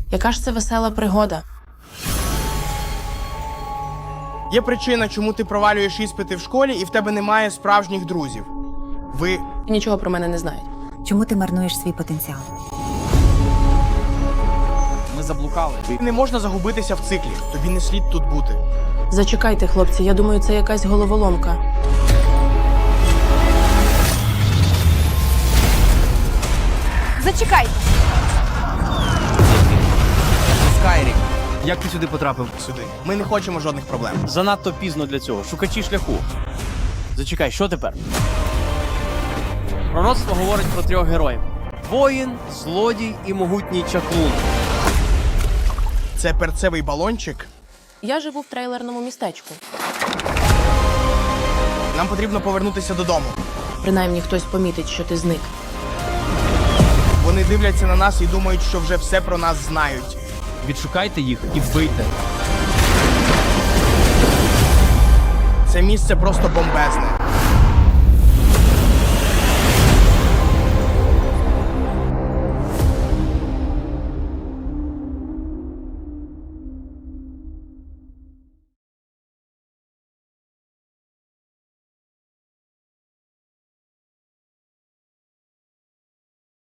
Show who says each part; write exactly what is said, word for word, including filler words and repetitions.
Speaker 1: Яка ж це весела пригода?
Speaker 2: Є причина, чому ти провалюєш іспити в школі і в тебе немає справжніх друзів. Ви...
Speaker 1: Нічого про мене не знають.
Speaker 3: Чому ти марнуєш свій потенціал?
Speaker 4: Ми заблукали.
Speaker 2: Не можна загубитися в циклі. Тобі не слід тут бути.
Speaker 1: Зачекайте, хлопці, я думаю, це якась головоломка.
Speaker 5: Зачекайте.
Speaker 4: Скайрік. Як ти сюди потрапив?
Speaker 2: Сюди. Ми не хочемо жодних проблем.
Speaker 4: Занадто пізно для цього. Шукачі шляху. Зачекай, що тепер? Пророцтво говорить про трьох героїв. Воїн, злодій і могутній чаклун.
Speaker 2: Це перцевий балончик.
Speaker 1: Я живу в трейлерному містечку.
Speaker 2: Нам потрібно повернутися додому.
Speaker 1: Принаймні хтось помітить, що ти зник.
Speaker 2: Вони дивляться на нас і думають, що вже все про нас знають.
Speaker 4: Відшукайте їх і вбийте.
Speaker 2: Це місце просто бомбезне.